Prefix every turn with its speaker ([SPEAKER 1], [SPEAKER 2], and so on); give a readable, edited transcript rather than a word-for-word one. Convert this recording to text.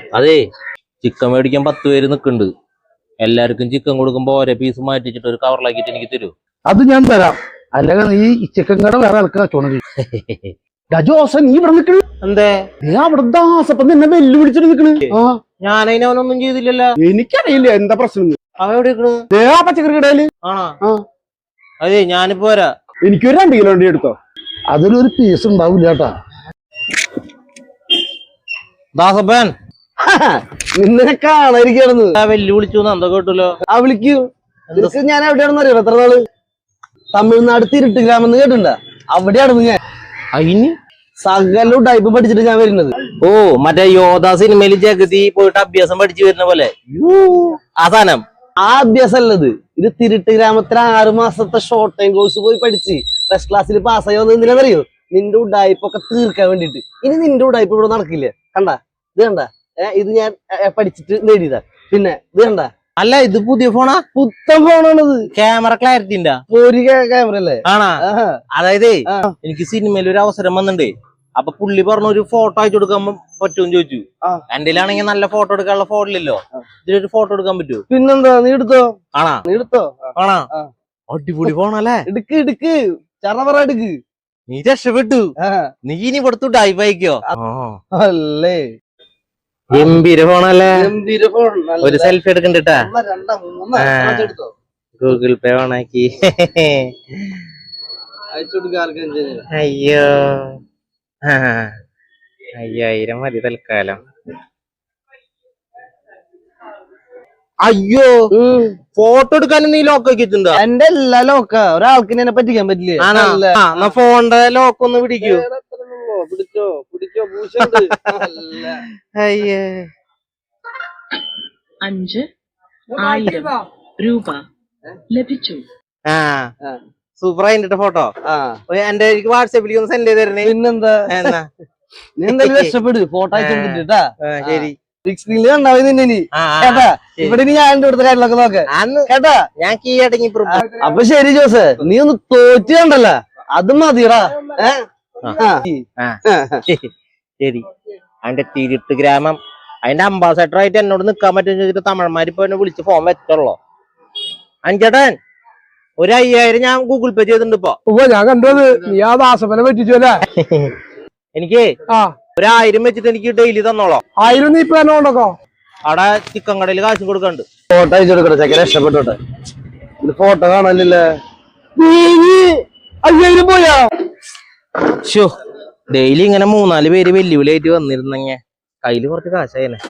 [SPEAKER 1] അതെ ചിക്കൻ മേടിക്കാൻ 10 പേര് നിക്കുന്നുണ്ട്. എല്ലാവർക്കും ചിക്കൻ കൊടുക്കുമ്പോ ഓരോ പീസ് മാറ്റിച്ചിട്ട് ഒരു കവറിലാക്കിട്ട് എനിക്ക് തരൂ.
[SPEAKER 2] അത് ഞാൻ തരാം. അല്ലെങ്കിൽ നീ ഈ ചിക്കൻ കട വേറെ ആൾക്കാർ കച്ചവടം ജോസ നീ ഇവിടെ നിക്കണ്
[SPEAKER 1] എന്തേ?
[SPEAKER 2] നീ അവിടെ ദാസപ്പം നിന്നെ വെല്ലുവിളിച്ചിട്ട് നിക്കണ്.
[SPEAKER 1] ഞാനതിനവനൊന്നും ചെയ്തില്ലല്ലോ.
[SPEAKER 2] എനിക്കറിയില്ല എന്താ പ്രശ്നം.
[SPEAKER 1] അവ എവിടെ നിക്കണ്?
[SPEAKER 2] പച്ചക്കറി കടയില്.
[SPEAKER 1] ആണോ? അതെ ഞാനിപ്പോ വരാ.
[SPEAKER 2] എനിക്കൊരു 2 കിലോ വണ്ടി എടുത്തോ. അതിലൊരു പീസ് ഉണ്ടാവില്ല കേട്ടാ.
[SPEAKER 1] ദാസപ്പൻ
[SPEAKER 2] നിന്നെ കാണാതിരിക്കാണെന്ന്
[SPEAKER 1] വെല്ലുവിളിച്ചു എന്താ കേട്ടല്ലോ.
[SPEAKER 2] വിളിക്കൂ. ഞാൻ എവിടെയാണെന്ന് അറിയാം. എത്ര നാള് തമിഴ്നാട് തിരുട്ട് ഗ്രാമെന്ന് കേട്ടിട്ടുണ്ടാ? അവിടെയാണ് ഞാൻ.
[SPEAKER 1] അതിന്
[SPEAKER 2] സകലും ടൈപ്പ് പഠിച്ചിട്ട് ഞാൻ വരുന്നത്.
[SPEAKER 1] ഓ മറ്റേ യോധ സിനിമയിൽ ജഗതി പോയിട്ട് അഭ്യാസം പഠിച്ചു വരുന്ന പോലെ ആ സാധനം.
[SPEAKER 2] ആ അഭ്യാസം അല്ലത്. ഇത് തിരുട്ട് ഗ്രാമത്തിൽ 6 മാസത്തെ ഷോർട്ട് ടൈം കോഴ്സ് പോയി പഠിച്ച് ഫസ്റ്റ് ക്ലാസ്സിൽ പാസ്സായി വന്നത് എന്തിനാണെന്നറിയോ? നിന്റെ ഉഡായ്പൊക്കെ തീർക്കാൻ വേണ്ടിട്ട്. ഇനി നിന്റെ ഉഡായ്പ ഇവിടെ നടക്കില്ല. കണ്ട ഇത് കണ്ട ഇത് ഞാൻ പഠിച്ചിട്ട് നേടിയതാ. പിന്നെ ഇത് കണ്ട.
[SPEAKER 1] അല്ല ഇത് പുതിയ ഫോണാ?
[SPEAKER 2] പുത്തൻ ഫോണാണത്.
[SPEAKER 1] ക്യാമറ ക്ലാരിറ്റി ഉണ്ടാ?
[SPEAKER 2] ഒരു ക്യാമറ അല്ലേ?
[SPEAKER 1] ആണാ? അതായത് എനിക്ക് സിനിമയിൽ ഒരു അവസരം വന്നിട്ടുണ്ട്. അപ്പൊ പുള്ളി പറഞ്ഞു ഒരു ഫോട്ടോ അയച്ചു കൊടുക്കാൻ പറ്റുമെന്ന് ചോദിച്ചു. എന്റെയിലാണെങ്കിൽ നല്ല ഫോട്ടോ എടുക്കാനുള്ള ഫോണില്ലല്ലോ. ഇതിലൊരു ഫോട്ടോ എടുക്കാൻ പറ്റുമോ?
[SPEAKER 2] പിന്നെന്താ, നീ എടുത്തോ.
[SPEAKER 1] ആണാ?
[SPEAKER 2] നീ എടുത്തോ.
[SPEAKER 1] ആണാ? അടിപൊളി ഫോണല്ലേ?
[SPEAKER 2] എടുക്ക് ചറവറ എടുക്ക്.
[SPEAKER 1] നീ രക്ഷപ്പെട്ടു. നീ ഇനി കൊടുത്തു ഡൈവ് അയക്കോ?
[SPEAKER 2] അല്ലേ
[SPEAKER 1] ഗംഭീര ഫോണല്ലേ?
[SPEAKER 2] ഗംഭീര ഫോൺ.
[SPEAKER 1] ഒരു സെൽഫി എടുക്കണ്ടാ? ഗൂഗിൾ പേ ഓണാക്കി. അയ്യോ 5000 മതി തൽക്കാലം. അയ്യോ ഫോട്ടോ എടുക്കാനും നീ ലോക്ക് വെച്ചിട്ടുണ്ടോ?
[SPEAKER 2] എന്റെ എല്ലാ ലോക്ക ഒരാൾക്ക് എന്നെ പറ്റിക്കാൻ പറ്റില്ലേ?
[SPEAKER 1] ഫോണിന്റെ ലോക്ക് ഒന്ന് പിടിക്കൂ.
[SPEAKER 2] പിടിച്ചോ
[SPEAKER 3] 5,000 രൂപ ലഭിച്ചു.
[SPEAKER 1] സൂപ്പർ ആയിട്ട് ഫോട്ടോ എന്റെ എനിക്ക് വാട്സാപ്പിലേക്ക് ഒന്ന് സെൻഡ് ചെയ്ത് തരണേ.
[SPEAKER 2] പിന്നെന്താ, നീ എന്തായാലും രക്ഷപ്പെടു. ഫോട്ടോ അയച്ചോണ്ടിട്ടാ.
[SPEAKER 1] ശരി.
[SPEAKER 2] ബിഗ് സ്ക്രീനിൽ കണ്ടാവും നിന്നെ കേട്ടാ. ഇവിടെ ഞാൻ ഇവിടുത്തെ കാര്യങ്ങളൊക്കെ നോക്കാം കേട്ടാ.
[SPEAKER 1] ഞാൻ കീ അടങ്ങി.
[SPEAKER 2] അപ്പൊ ശരി ജോസ്, നീ ഒന്ന് തോറ്റു കണ്ടല്ല, അത് മതിയടാ.
[SPEAKER 1] ശരി. അതിന്റെ തിരുട്ട് ഗ്രാമം അതിന്റെ അംബാസഡർ ആയിട്ട് എന്നോട് നിക്കാൻ പറ്റുമെന്ന് ചോദിച്ചിട്ട് തമിഴന്മാരിപ്പോ എന്നെ വിളിച്ച് ഫോൺ വെച്ചോളോ. അഞ്ചേട്ടൻ ഒരു 5000 ഞാൻ ഗൂഗിൾ പേ ചെയ്തിട്ടുണ്ട് ഇപ്പൊ.
[SPEAKER 2] ഞാൻ കണ്ടത് നീ ആ ദാസപ്പനെ പറ്റിച്ചല്ലേ.
[SPEAKER 1] എനിക്ക് 1000 വെച്ചിട്ട് എനിക്ക് ഡെയിലി തന്നോളോ.
[SPEAKER 2] 1000 നീ ഇപ്പൊ തന്നെ കൊണ്ടോ.
[SPEAKER 1] അവിടെ ചിക്കൻ കടയിൽ കാശും കൊടുക്കണ്ട്.
[SPEAKER 2] ഫോട്ടോ അയച്ചു കൊടുക്കട്ടെ. ചെക്കൻ രക്ഷപ്പെട്ടോട്ടെ. ഫോട്ടോ കാണാനില്ലേ? 5000 പോയാ.
[SPEAKER 1] ഡെയിലി ഇങ്ങനെ 3-4 പേര് വെല്ലുവിളിയായിട്ട് വന്നിരുന്നെങ്കിൽ കയ്യില് കുറച്ച് കാശായനെ.